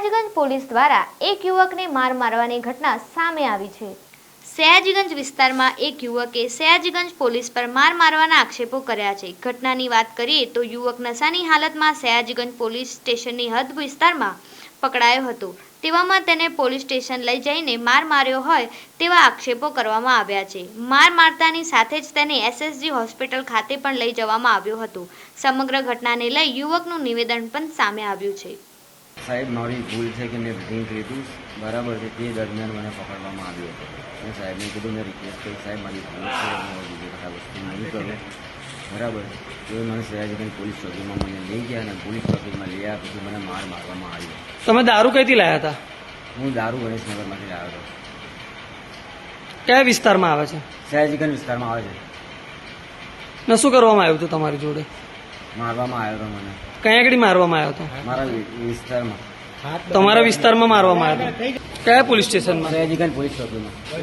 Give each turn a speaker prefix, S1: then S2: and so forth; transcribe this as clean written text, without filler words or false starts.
S1: Sayajiganj police દ્વારા એક યુવકને માર મારવાની ઘટના સામે આવી છે। સયાજીગંજ વિસ્તારમાં એક યુવકે સયાજીગંજ પોલીસ પર માર મારવાના આક્ષેપો કર્યા છે। ઘટનાની વાત કરીએ તો યુવક નશાની હાલતમાં સયાજીગંજ પોલીસ સ્ટેશનની હદ વિસ્તારમાં પકડાયો હતો। તેવામાં તેને પોલીસ સ્ટેશન લઈ જઈને માર માર્યો હોય તેવા આક્ષેપો કરવામાં આવ્યા છે। માર મારતાની સાથે જ તેને એસએસજી હોસ્પિટલ ખાતે પણ લઈ જવામાં આવ્યો હતો। સમગ્ર ઘટનાને લઈ યુવકનું નિવેદન પણ સામે આવ્યું છે।
S2: સાહેબ, મારી ભૂલ છે કે મેં ડ્રિંક લીધું બરાબર છે, તે દરમિયાન મને પકડવામાં આવ્યો હતો। મેં સાહેબને કીધું, મેં રિક્વેસ્ટ કરી, સાહેબ મારી ભૂલ છે, હું બીજી વખત આ વસ્તુ નહીં કરું બરાબર। તો મને સયાજીગંજ પોલીસ ચોકીમાં મને લઈ ગયા અને પોલીસ ચોકીમાં લઈ આવ્યા પછી મને માર મારવામાં આવ્યો।
S3: તમે દારૂ કઈથી લાયા હતા?
S2: હું દારૂ ગણેશનગરમાંથી લાવ્યો હતો।
S3: કયા વિસ્તારમાં આવે છે?
S2: સયાજીગંજ વિસ્તારમાં આવે છે।
S3: ને શું કરવામાં આવ્યું હતું તમારી જોડે?
S2: મારવામાં આવ્યો હતો મને।
S3: કયા આગળ મારવામાં આવ્યો હતો?
S2: મારા વિસ્તારમાં,
S3: તમારા વિસ્તારમાં મારવામાં આવ્યો હતો? કયા પોલીસ સ્ટેશનમાં?
S2: સયાજીગંજ પોલીસ ચોકીમાં।